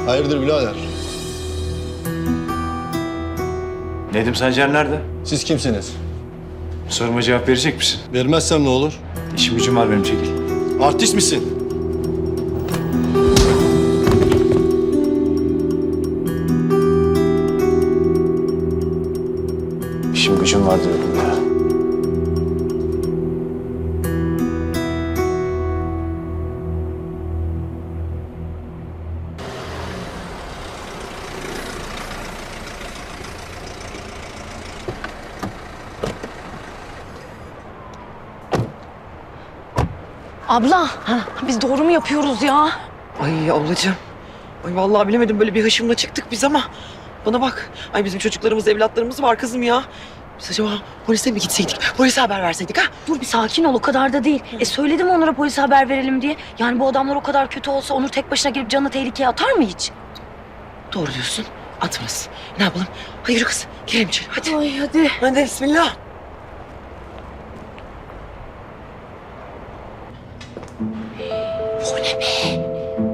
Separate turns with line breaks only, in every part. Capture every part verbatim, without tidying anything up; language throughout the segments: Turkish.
Hayırdır birader?
Nedim Sancar nerede?
Siz kimsiniz?
Soruma cevap verecek misin?
Vermezsem ne olur?
İşim gücüm var benim, çekil.
Artist misin?
İşim gücüm var diyorum ya.
Abla, biz doğru mu yapıyoruz ya?
Ay ablacığım. Ay vallahi bilemedim, böyle bir hışımla çıktık biz ama. Bana bak. Ay bizim çocuklarımız, evlatlarımız var kızım ya. Biz acaba polise mi gitseydik? Polise haber verseydik ha?
Dur bir sakin ol, o kadar da değil. E söyledim Onur'a polise haber verelim diye. Yani bu adamlar o kadar kötü olsa Onur tek başına girip canını tehlikeye atar mı hiç?
Doğru diyorsun. Atmaz. Ne yapalım? Hayır yürü kız. Girelim içeri hadi.
Ay hadi.
Hadi bismillah.
Bu ne be?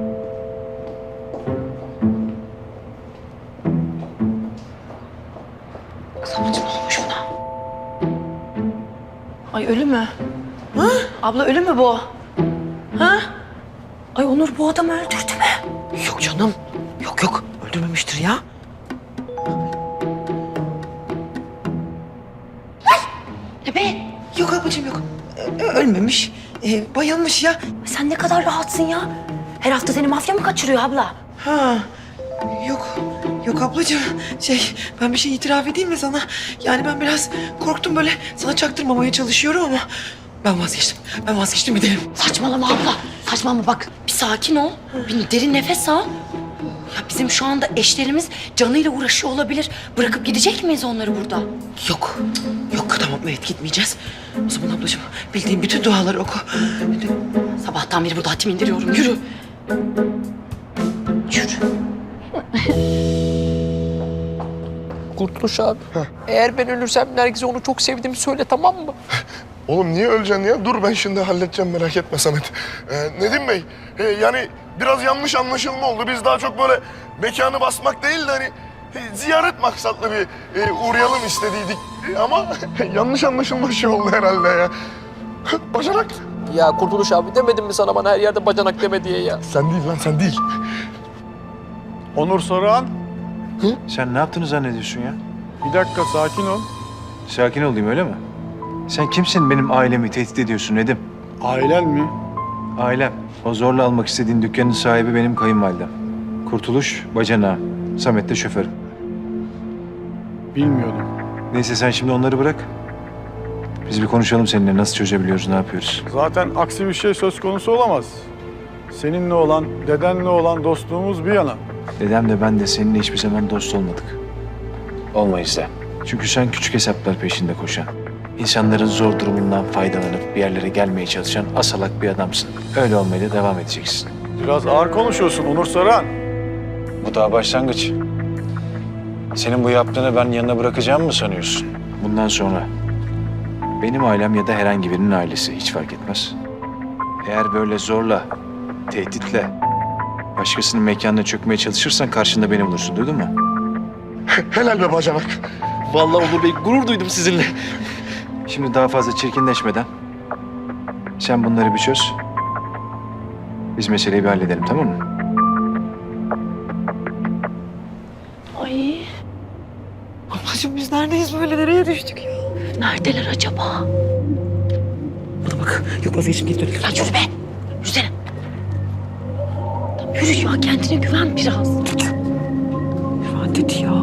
Kız ablacığım ne olmuş buna? Ay ölü mü? Ha? Abla ölü mü bu? Ha? Ay Onur bu adamı öldürdü mü?
Yok canım. Yok yok. Öldürmemiştir ya.
Ne be?
Yok ablacığım yok. Ö- ölmemiş. Ee, bayılmış ya.
Sen ne kadar rahatsın ya. Her hafta seni mafya mı kaçırıyor abla?
Ha. Yok. Yok ablacığım. Şey, ben bir şey itiraf edeyim mi sana? Yani ben biraz korktum, böyle sana çaktırmamaya çalışıyorum ama ben vazgeçtim. Ben vazgeçtim, gidelim.
Saçmalama abla. Saçmalama bak. Bir sakin ol. Bir derin nefes al. Ya bizim şu anda eşlerimiz canıyla uğraşıyor olabilir. Bırakıp gidecek miyiz onları burada?
Yok. Yok tamam, evet gitmeyeceğiz. O zaman ablacığım bildiğin bütün duaları oku. Hadi.
Sabahtan beri burada hatim indiriyorum. Yürü. Yürü.
Kurtuluş abi. Eğer ben ölürsem Nergis'e onu çok sevdiğimi söyle, tamam mı?
Oğlum niye öleceksin ya? Dur ben şimdi halledeceğim, merak etme Samet. Ee, Nedim Bey, e, yani biraz yanlış anlaşılma oldu. Biz daha çok böyle mekanı basmak değil de hani e, ziyaret maksatlı bir e, uğrayalım istediydik. E, ama yanlış anlaşılma şey oldu herhalde ya. Bacanak.
Ya Kurtuluş abi, demedim mi sana bana her yerde bacanak deme diye ya?
Sen değil lan, sen değil.
Onur Saruhan.
Sen ne yaptığını zannediyorsun ya?
Bir dakika sakin ol.
Sakin olayım, öyle mi? Sen kimsin benim ailemi tehdit ediyorsun Nedim?
Ailen mi?
Ailem. O zorla almak istediğin dükkanın sahibi benim kayınvalidem. Kurtuluş, bacanağım. Samet de şoförüm.
Bilmiyordum.
Neyse sen şimdi onları bırak. Biz bir konuşalım seninle. Nasıl çözebiliyoruz, ne yapıyoruz?
Zaten aksi bir şey söz konusu olamaz. Seninle olan, dedenle olan dostluğumuz bir yana.
Dedem de ben de seninle hiçbir zaman dost olmadık. Olmayız da. Çünkü sen küçük hesaplar peşinde koşan, insanların zor durumundan faydalanıp bir yerlere gelmeye çalışan asalak bir adamsın. Öyle olmaya da devam edeceksin.
Biraz ağır konuşuyorsun Onur Saran.
Bu daha başlangıç. Senin bu yaptığını ben yanına bırakacağımı mı sanıyorsun? Bundan sonra benim ailem ya da herhangi birinin ailesi hiç fark etmez. Eğer böyle zorla, tehditle başkasının mekanına çökmeye çalışırsan karşında beni bulursun, duydun mu?
Helal be bacanak.
Vallahi Onur Bey, gurur duydum sizinle.
Şimdi daha fazla çirkinleşmeden sen bunları bir çöz. Biz meseleyi bir halledelim, tamam mı?
Ay
Ablacığım biz neredeyiz böyle? Nereye düştük ya?
neredeler acaba?
Bana bak. Yok vazgeçtim, geri dönelim.
Lan yürü be. Yürüsene. Tamam, yürü ya, kendine güven biraz.
Güven dedi ya.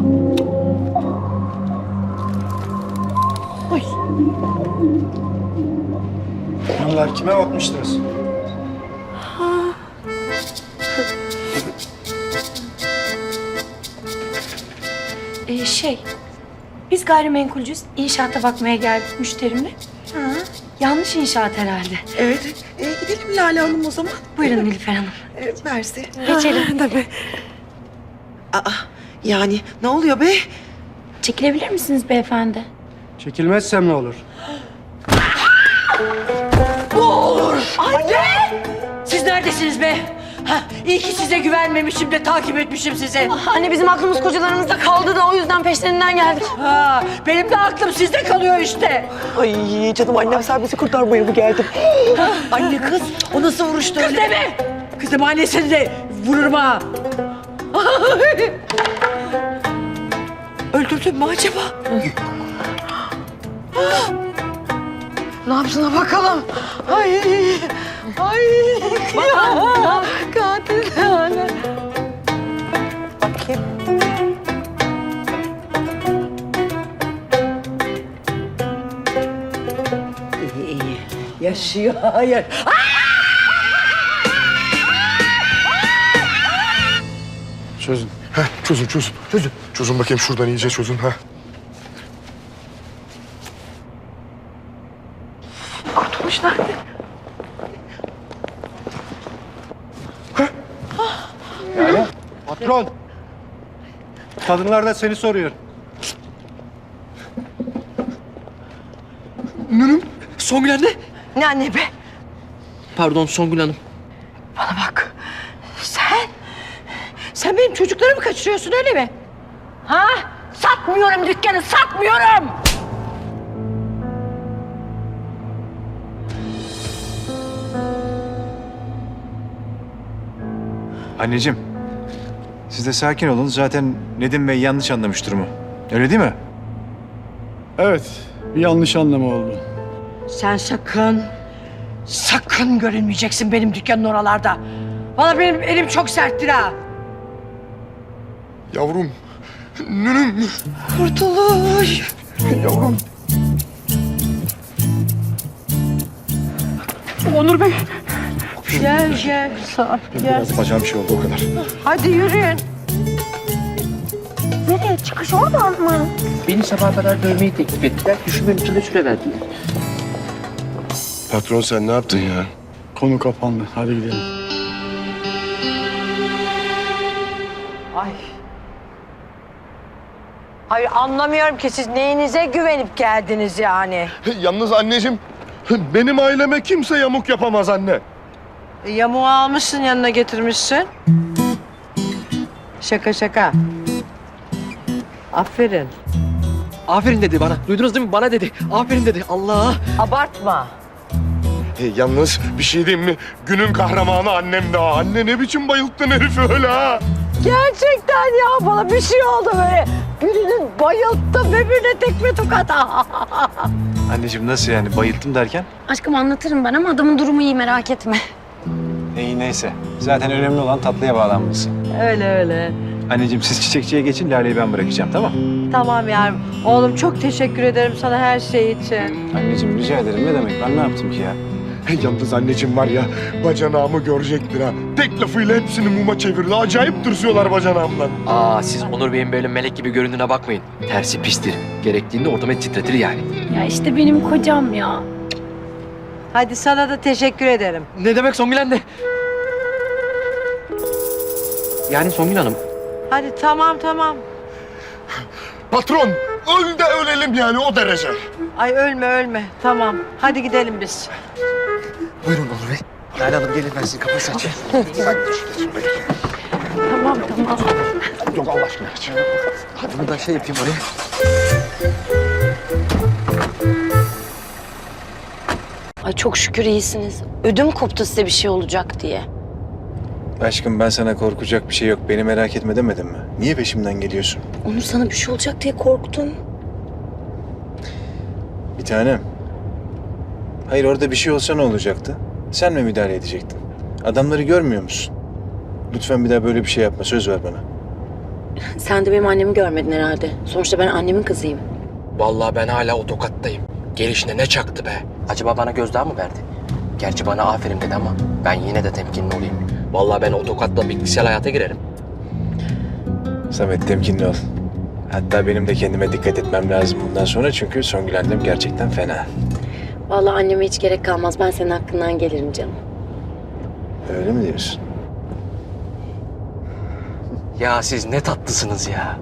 Ay.
Bunlar kime bakmıştınız?
Ee, şey, biz gayrimenkulcüyüz. İnşaata bakmaya geldik müşterimle. Ha, yanlış inşaat herhalde.
Evet. E, gidelim Lale Hanım o zaman.
Buyurun Nilüfer Hanım.
E, Mersi.
Geçelim.
Tabii. Aa, yani ne oluyor be?
Çekilebilir misiniz beyefendi?
Çekilmezsem ne olur?
Anne! Siz neredesiniz be?
Hah, iyi ki size güvenmemişim de takip etmişim sizi.
Anne bizim aklımız kocalarımızda kaldı da o yüzden peşlerinden geldik.
Ha, benim de aklım sizde kalıyor işte.
Ay canım annem sen bizi kurtarmaya mı geldin?
Anne kız, o nasıl vuruştu öyle? Kız deme! Kızım annesini de vururum ha.
Öldürdün mü acaba?
Ne yapsına bakalım. Ay, ay, kıyamam. Katil yani.
Bakayım.
İyi, iyi. Yaşıyor, hayır.
Çözün.
Heh, çözün çözün çözün. Çözün bakayım şuradan iyice çözün. Heh.
Kurtulmuşlar.
Patron. Kadınlar da seni soruyor.
Songül anne.
Ne anne be?
Pardon Songül Hanım.
Bana bak. Sen, sen benim çocuklarımı kaçırıyorsun öyle mi? Ha? Satmıyorum dükkanı, satmıyorum.
Anneciğim, siz de sakin olun. Zaten Nedim Bey yanlış anlamış durumu. Öyle değil mi?
Evet, bir yanlış anlama oldu.
Sen sakın, sakın görünmeyeceksin benim dükkanın oralarda. Valla benim elim çok serttir ha.
Yavrum. Nünüm.
Kurtuluş.
Yavrum.
Onur Bey. Gel gel. Sağ gel.
Biraz bacağım bir şey oldu o kadar.
Hadi yürüyün.
Nereye? Çıkış oradan mı?
Beni sabaha kadar dövmeyi teklif ettiler. Düşünmem için de süre verdiler.
Patron sen ne yaptın ya?
Konu kapandı. Hadi gidelim.
Ay. Hayır anlamıyorum ki siz neyinize güvenip geldiniz yani.
Yalnız anneciğim, benim aileme kimse yamuk yapamaz anne.
Yamuğu almışsın yanına getirmişsin. Şaka şaka. Aferin.
Aferin dedi bana. Duydunuz değil mi? Bana dedi. Aferin dedi. Allah.
Abartma.
E, yalnız bir şey diyeyim mi? Günün kahramanı annem daha. Anne ne biçim bayılttın herifi öyle ha?
Gerçekten ya bana bir şey oldu böyle. Birinin bayılttı birbirine tekme tokat.
Anneciğim nasıl yani? Bayılttım derken?
Aşkım anlatırım ben ama adamın durumu iyi merak etme.
İyi neyse. Zaten önemli olan tatlıya bağlanması.
Öyle öyle.
Anneciğim siz çiçekçiye geçin. Lale'yi ben bırakacağım tamam?
Tamam yavrum. Oğlum çok teşekkür ederim sana her şey için.
Anneciğim rica ederim. Ne demek? Ben ne yaptım ki ya?
Yalnız anneciğim var ya, bacanağımı görecektir ha. Tek lafıyla hepsini muma çevirdi. Acayip tırsıyorlar bacanağımdan.
Aa siz Onur Bey'in böyle melek gibi göründüğüne bakmayın. Tersi pistir. Gerektiğinde ortamı titretir yani.
Ya işte benim kocam ya.
Hadi sana da teşekkür ederim.
Ne demek Songül anne? Yani Songül Hanım.
Hadi tamam tamam.
Patron, öl de ölelim yani o derece.
Ay ölme ölme. Tamam. Hadi gidelim biz.
Buyurun Onur Bey. Lale Hanım gelin ben sizi kapısı açayım.
Tamam tamam.
Yok Allah aşkına geç.
Bunu da şey yapayım oraya.
Ay çok şükür iyisiniz. Ödüm koptu size bir şey olacak diye.
Aşkım ben sana korkacak bir şey yok. Beni merak etme demedim mi? Niye peşimden geliyorsun?
Onur sana bir şey olacak diye korktum.
Bir tanem. Hayır orada bir şey olsa ne olacaktı? Sen mi müdahale edecektin? Adamları görmüyor musun? Lütfen bir daha böyle bir şey yapma. Söz ver bana.
Sen de benim annemi görmedin herhalde. Sonuçta ben annemin kızıyım.
Vallahi ben hala o tokattayım. Gelişine ne çaktı be? Acaba bana gözdağı mı verdi? Gerçi bana aferin dedi ama ben yine de temkinli olayım. Vallahi ben o tokatla bitkisel hayata girerim.
Samet temkinli ol. Hatta benim de kendime dikkat etmem lazım bundan sonra çünkü Songül annem gerçekten fena.
Vallahi anneme hiç gerek kalmaz. Ben senin hakkından gelirim canım.
Öyle mi diyorsun?
Ya siz ne tatlısınız ya.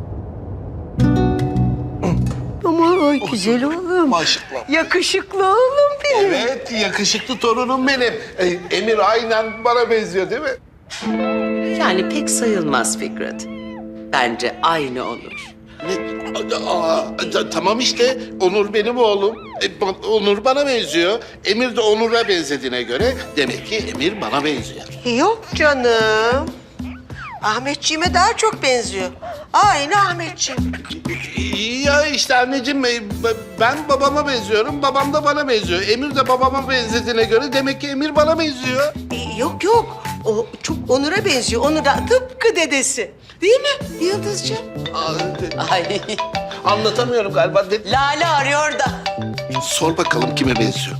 Ama güzel oğlum.
Maşallah.
Yakışıklı oğlum benim.
Evet, yakışıklı torunum benim. Ee, Emir aynen bana benziyor değil mi? Yani pek sayılmaz Fikret. Bence aynı Onur.
Ne? Aa, ta- tamam işte Onur benim oğlum. E, ba- Onur bana benziyor. Emir de Onur'a benzediğine göre demek ki Emir bana benziyor.
Yok canım. Ahmetciğime daha çok benziyor. Aynı Ahmetciğim.
Ya işte anneciğim e, ben babama benziyorum. Babam da bana benziyor. Emir de babama benzediğine göre demek ki Emir bana benziyor.
Ee, Yok yok. O çok Onur'a benziyor. Onur da tıpkı dedesi. Değil mi Yıldızcığım?
Aa,
Ay,
anlatamıyorum galiba. De-
Lale arıyor da.
Sor bakalım kime benziyor.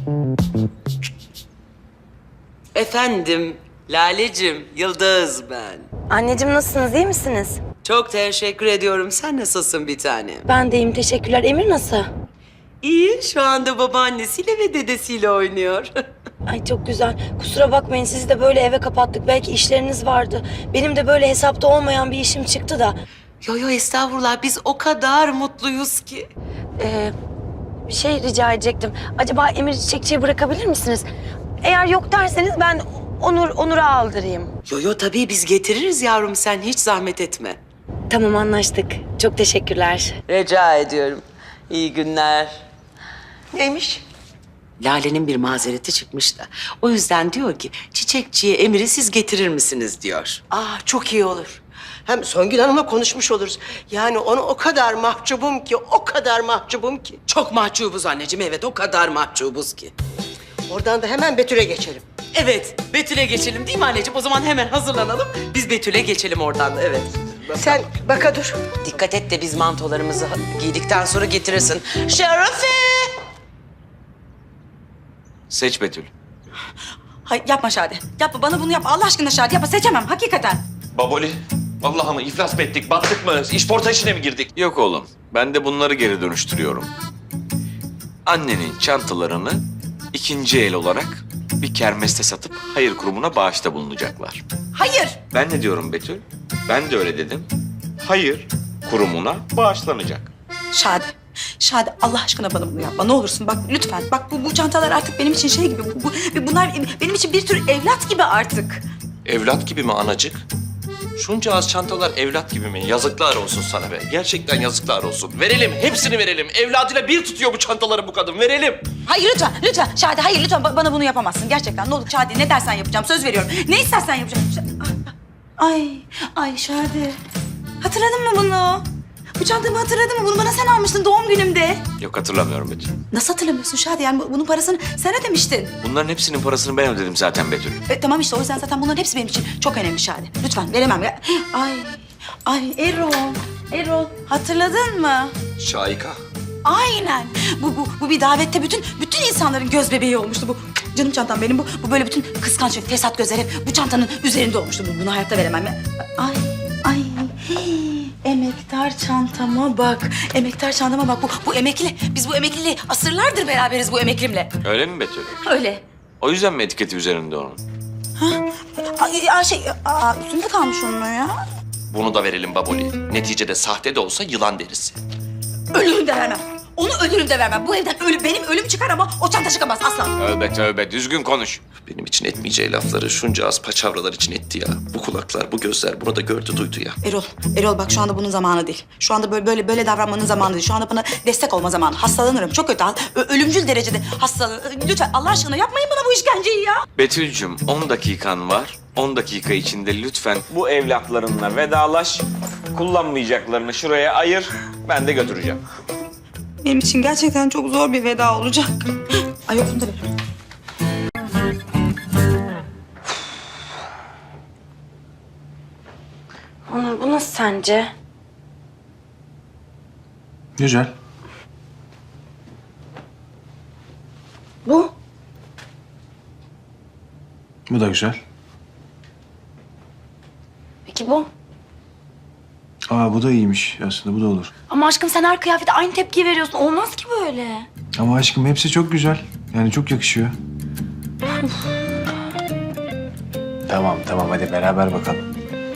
Efendim, Lalecim, Yıldız ben.
Anneciğim nasılsınız, iyi misiniz?
Çok teşekkür ediyorum. Sen nasılsın bir tanem?
Ben de iyiyim, teşekkürler. Emir nasıl?
İyi, şu anda babaannesiyle ve dedesiyle oynuyor.
Ay çok güzel. Kusura bakmayın, sizi de böyle eve kapattık. Belki işleriniz vardı. Benim de böyle hesapta olmayan bir işim çıktı da.
Yo yo estağfurullah, biz o kadar mutluyuz ki.
Ee, bir şey rica edecektim. Acaba Emir Çiçekçi'ye bırakabilir misiniz? Eğer yok derseniz ben Onur Onur'a aldırayım.
Yo yo tabii biz getiririz yavrum, sen hiç zahmet etme.
Tamam, anlaştık. Çok teşekkürler.
Rica ediyorum. İyi günler.
Neymiş?
Lale'nin bir mazereti çıkmış da. O yüzden diyor ki Çiçekçi'ye Emir'i siz getirir misiniz diyor.
Aa çok iyi olur. Hem Songül Hanım'la konuşmuş oluruz. Yani onu o kadar mahcubum ki, o kadar mahcubum ki.
Çok mahcubuz anneciğim, evet o kadar mahcubuz ki.
Oradan da hemen Betül'e geçelim.
Evet, Betül'e geçelim değil mi anneciğim? O zaman hemen hazırlanalım. Biz Betül'e geçelim oradan da, evet.
Sen baka dur.
Dikkat et de biz mantolarımızı giydikten sonra getirirsin. Şerefe!
Seç Betül.
Hayır yapma Şadi. Yapma bana bunu yapma. Allah aşkına Şadi yapma. Seçemem hakikaten.
Baboli, vallahi mı iflas mı ettik, battık mı, işporta işine mi girdik?
Yok oğlum. Ben de bunları geri dönüştürüyorum. Annenin çantalarını ikinci el olarak bir kermeste satıp hayır kurumuna bağışta bulunacaklar.
Hayır.
Ben ne diyorum Betül? Ben de öyle dedim. Hayır kurumuna bağışlanacak.
Şadi. Şadi Allah aşkına bana bunu yapma. Ne olursun bak lütfen. Bak bu, bu çantalar artık benim için şey gibi. Bu, bu, bunlar benim için bir tür evlat gibi artık.
Evlat gibi mi anacık? Şunca az çantalar evlat gibi mi? Yazıklar olsun sana be. Gerçekten yazıklar olsun. Verelim, hepsini verelim. Evladıyla bir tutuyor bu çantaları bu kadın. Verelim.
Hayır lütfen, lütfen. Şadi hayır lütfen ba- bana bunu yapamazsın. Gerçekten ne olur Şadi ne dersen yapacağım. Söz veriyorum. Ne istersen yapacağım. Ş- Ay, ay Şadi. Hatırladın mı bunu? Bu çantamı hatırladın mı? Bunu bana sen almıştın doğum günümde.
Yok hatırlamıyorum Betül.
Nasıl hatırlamıyorsun Şadi? Yani bu- bunun parasını sen ödemiştin.
Bunların hepsinin parasını ben ödedim zaten Betül.
E, tamam işte o yüzden zaten bunların hepsi benim için çok önemli Şadi. Lütfen veremem. ya. Ay, ay Erol, Erol hatırladın mı?
Şahika.
Aynen. Bu, bu, bu bir davette bütün bütün insanların göz bebeği olmuştu bu. Canım çantam benim bu. Bu böyle bütün kıskanç ve fesat gözler hep bu çantanın üzerinde olmuştu. Bu- Bunu hayatta veremem. ya. Ay, ay. Hii. Emektar çantama bak. Emektar çantama bak. Bu, bu emekli. Biz bu emekliyle asırlardır beraberiz bu emeklimle.
Öyle mi Betül?
Öyle.
O yüzden mi etiketi üzerinde onun?
Ay, ay, şey, aa, üstünde kalmış onun o ya.
Bunu da verelim Baboli. Neticede sahte de olsa yılan derisi.
Ölürüm de vermem. Onu ölürüm de vermem. Bu evden ölüm, benim ölüm çıkar ama o çanta çıkamaz asla.
Tövbe tövbe düzgün konuş.
Benim için etmeyeceği lafları şunca az paçavralar için etti ya. Bu kulaklar, bu gözler bunu da gördü, duydu ya.
Erol, Erol bak şu anda bunun zamanı değil. Şu anda böyle böyle böyle davranmanın zamanı değil. Şu anda bana destek olma zamanı. Hastalanırım. Çok kötü. Ö- ölümcül derecede hastalanırım. Lütfen Allah aşkına yapmayın bana bu işkenceyi ya.
Betül'cüm on dakikan var. on dakika içinde lütfen bu evlatlarınla vedalaş. Kullanmayacaklarını şuraya ayır. Ben de götüreceğim.
Benim için gerçekten çok zor bir veda olacak. Ay yok bunu da veririm.
Onur bu nasıl sence?
Güzel.
Bu?
Bu da güzel.
Peki bu?
Aa bu da iyiymiş aslında bu da olur.
Ama aşkım sen her kıyafete aynı tepkiyi veriyorsun. Olmaz ki böyle.
Ama aşkım hepsi çok güzel. Yani çok yakışıyor. Tamam tamam hadi beraber bakalım.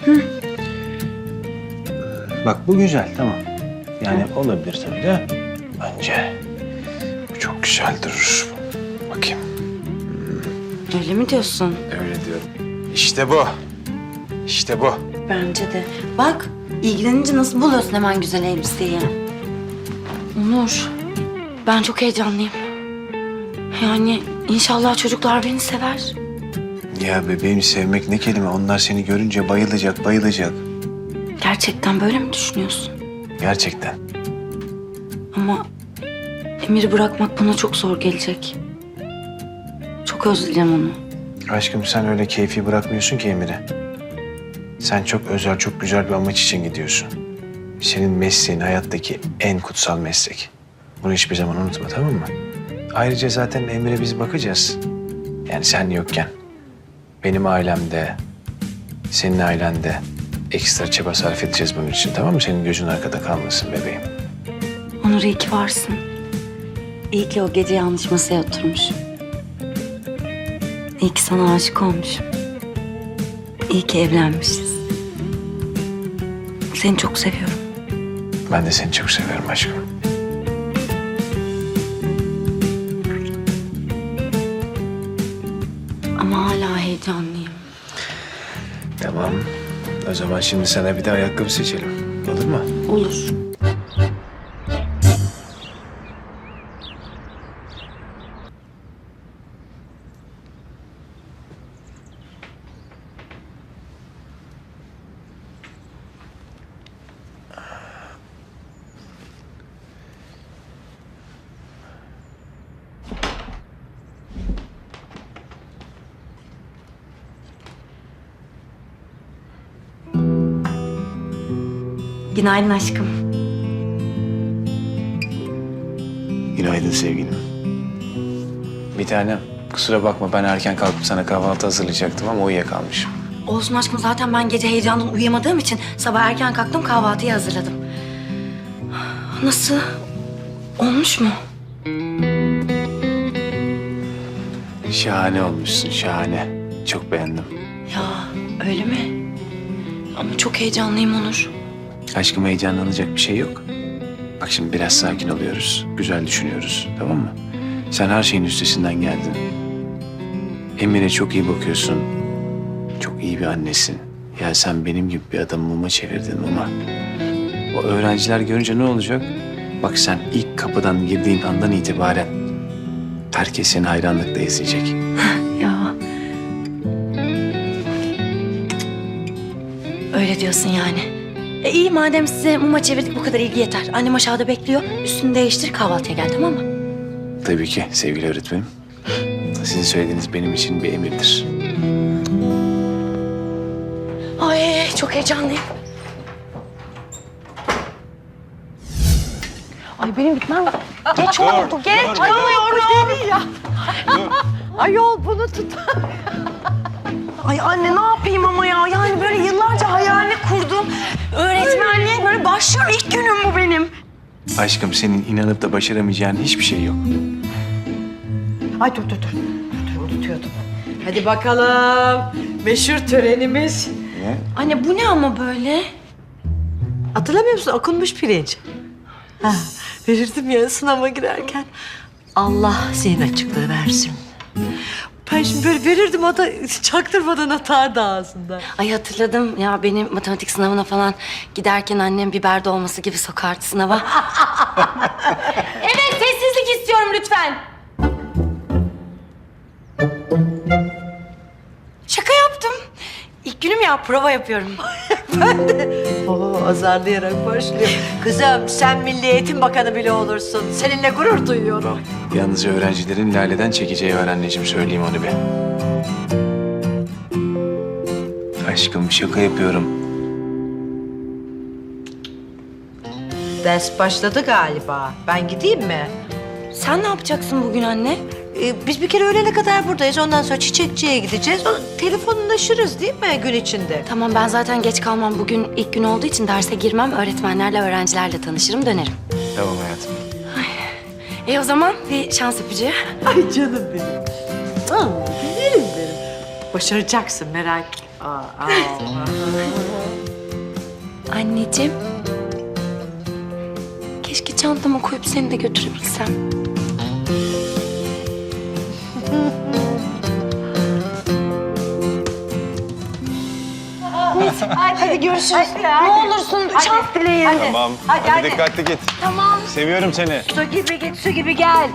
Bak bu güzel tamam. Yani olabilir tabii de. Bence bu çok güzel durur. Bakayım.
Öyle mi diyorsun?
Öyle diyorum. İşte bu. İşte bu.
Bence de. Bak ilgilenince nasıl buluyorsun hemen güzel elbiseyi. Onur, ben çok heyecanlıyım. Yani inşallah çocuklar beni sever.
Ya bebeğim sevmek ne kelime? Onlar seni görünce bayılacak, bayılacak.
Gerçekten böyle mi düşünüyorsun?
Gerçekten.
Ama Emir'i bırakmak bana çok zor gelecek. Çok özleyeceğim onu.
Aşkım sen öyle keyfi bırakmıyorsun ki Emir'i. Sen çok özel, çok güzel bir amaç için gidiyorsun. Senin mesleğin hayattaki en kutsal meslek. Bunu hiçbir zaman unutma, tamam mı? Ayrıca zaten Emir'e biz bakacağız. Yani sen yokken. Benim ailemde, senin ailende ekstra çaba sarf edeceğiz bunun için, tamam mı? Senin gözün arkada kalmasın bebeğim.
Onur iyi ki varsın. İyi ki o gece yanlış masaya oturmuşum. İyi ki sana aşık olmuşum. İyi ki evlenmişiz. Seni çok seviyorum.
Ben de seni çok seviyorum aşkım.
Ama hala heyecanlıyım.
Tamam. O zaman şimdi sana bir de ayakkabı seçelim. Olur mu?
Olur. Günaydın aşkım.
Günaydın sevgilim. Bir tanem, kusura bakma ben erken kalkıp sana kahvaltı hazırlayacaktım ama uyuyakalmışım.
Olsun aşkım, zaten ben gece heyecandan uyuyamadığım için sabah erken kalktım, kahvaltıyı hazırladım. Nasıl? Olmuş mu?
Şahane olmuşsun, şahane. Çok beğendim.
Ya öyle mi? Ama çok heyecanlıyım Onur.
Aşkım heyecanlanacak bir şey yok. Bak şimdi biraz sakin oluyoruz. Güzel düşünüyoruz, tamam mı? Sen her şeyin üstesinden geldin. Emir'e çok iyi bakıyorsun. Çok iyi bir annesin. Ya sen benim gibi bir adamı muma çevirdin muma. O öğrenciler görünce ne olacak? Bak sen ilk kapıdan girdiğin andan itibaren herkes seni hayranlıkla izleyecek.
Ya. Öyle diyorsun yani. E iyi, madem size muma çevirdik, bu kadar ilgi yeter. Annem aşağıda bekliyor. Üstünü değiştir, kahvaltıya gel, tamam mı?
Tabii ki sevgili öğretmenim. Sizin söylediğiniz benim için bir emirdir.
Ay çok heyecanlıyım. Ay benim gitmem geç oldu. Geç kalmıyorum.
ya. Ayol bunu tut.
Ay anne ne yapayım ama ya? Yani böyle yıllarca hayalini kurdum. Öğretmenliğe böyle başlıyorum. İlk günüm bu benim.
Aşkım senin inanıp da başaramayacağın hiçbir şey yok.
Ay dur dur dur. Dur, dur unutuyordum. Hadi bakalım. Meşhur törenimiz.
Ne?
Anne bu ne ama böyle?
Hatırlamıyor musun? Okunmuş pirinç. Ha, verirdim ya sınava girerken. Allah zihin açıklığı versin. Ben şimdi böyle verirdim, o da çaktırmadan atardı ağzından.
Ay hatırladım ya, benim matematik sınavına falan giderken annem biber dolması gibi sokardı sınava. Evet, sessizlik istiyorum lütfen. Şaka yaptım. İlk günüm ya, prova yapıyorum.
Ben de oo, azarlayarak başlıyorum. Kızım sen Milli Eğitim Bakanı bile olursun. Seninle gurur duyuyorum.
Yalnız öğrencilerin Lale'den çekeceği var anneciğim, söyleyeyim onu bir. Aşkım şaka yapıyorum.
Ders başladı galiba. Ben gideyim mi?
Sen ne yapacaksın bugün anne?
Ee, biz bir kere öğlene kadar buradayız. Ondan sonra çiçekçiye gideceğiz. O, telefonlaşırız değil mi gün içinde?
Tamam, ben zaten geç kalmam. Bugün ilk gün olduğu için derse girmem. Öğretmenlerle, öğrencilerle tanışırım, dönerim.
Tamam hayatım.
E o zaman bir şans öpücüğü.
Ay canım benim. Aa, güzelim benim. Başaracaksın, merak etme. Aa, aa.
Anneciğim. Keşke çantama koyup seni de götürebilsem. hadi. Hadi görüşürüz. Ne olursun çant dileyin. Hadi.
Tamam.
Hadi,
Hadi,
hadi.
dikkatli git.
Tamam.
Seviyorum seni.
Su gibi git, su gibi gel.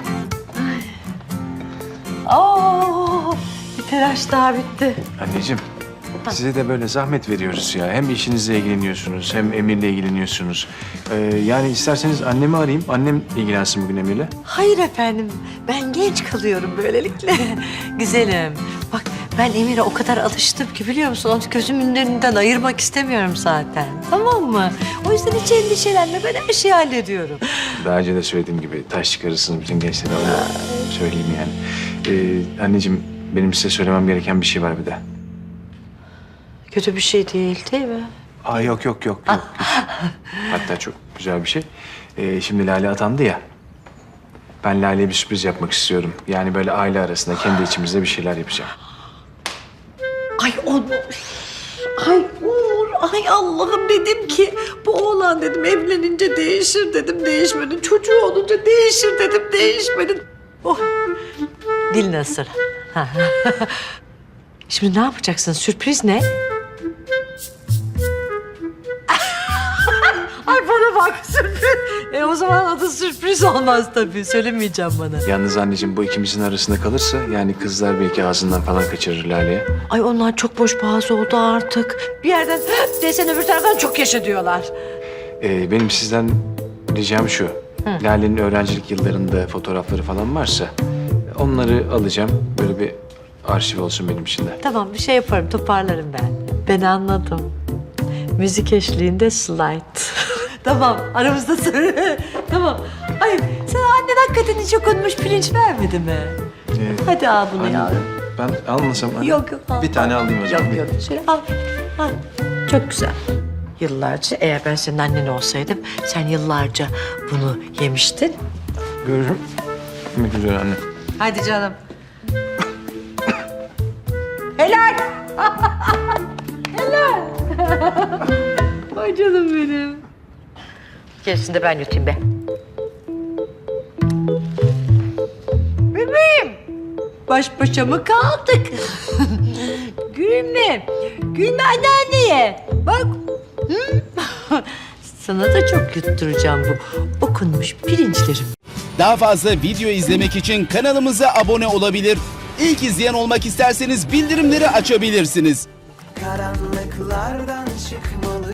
Oo, bir telaş daha bitti.
Anneciğim, size de böyle zahmet veriyoruz ya. Hem işinizle ilgileniyorsunuz, hem Emir'le ilgileniyorsunuz. Ee, yani isterseniz annemi arayayım. Annem ilgilensin bugün Emir'le.
Hayır efendim, ben genç kalıyorum böylelikle. Güzelim. Bak ben Emir'e o kadar alıştım ki biliyor musun? Onu gözümün önünden ayırmak istemiyorum zaten. Tamam mı? O yüzden hiç endişelenme, ben her şeyi hallediyorum.
Daha önce de söylediğim gibi taş çıkarırsınız bütün gençlere. Onu söyleyeyim yani. Ee, anneciğim, benim size söylemem gereken bir şey var bir de.
Kötü bir şey değil, değil mi?
Aa yok yok yok yok. Hatta çok güzel bir şey. Ee, şimdi Lale atandı ya. Ben Lale'ye bir sürpriz yapmak istiyorum. Yani böyle aile arasında kendi içimizde bir şeyler yapacağım.
Ay Onur. Ay Uğur. Ay Allah'ım dedim ki bu oğlan dedim evlenince değişir dedim değişmedin. Çocuğu olunca değişir dedim değişmedin. Oh. Dil nasıl? Ha. Şimdi ne yapacaksın? Sürpriz ne? Ay bana bak sürpriz. E o zaman adı sürpriz olmaz tabii. Söylemeyeceğim bana.
Yalnız anneciğim bu ikimizin arasında kalırsa yani kızlar belki ağzından falan kaçırır Lale'ye.
Ay onlar çok boş boğaz oldu artık. Bir yerden desen öbür taraftan çok yaşa diyorlar.
Ee, benim sizden ricam şu. Lale'nin öğrencilik yıllarında fotoğrafları falan varsa onları alacağım. Böyle bir arşiv olsun benim için de.
Tamam bir şey yaparım toparlarım ben. Ben anladım. Müzik eşliğinde slide. Tamam aramızda söyle. Tamam. Ay sana annen hakikaten hiç okunmuş pirinç vermedi mi?
Ee,
Hadi al bunu
anne,
yavrum.
Ben almasam anne.
Yok yok al.
Bir tane alayım o zaman.
Yok yok şöyle al. al. Çok güzel. Yıllarca eğer ben senin annen olsaydım sen yıllarca bunu yemiştin.
Görüşüm. Görüşmek üzere anne.
Hadi canım. Helal. Helal. Ay canım benim. Gerisini de ben yutayım be. Bebeğim. Baş başa mı kaldık? Gülme. Gülme anneanneye. Bak. Hı? Sana da çok yutturacağım bu okunmuş pirinçlerim.
Daha fazla video izlemek için kanalımıza abone olabilir. İlk izleyen olmak isterseniz bildirimleri açabilirsiniz.
Karanlıklardan çıkmalı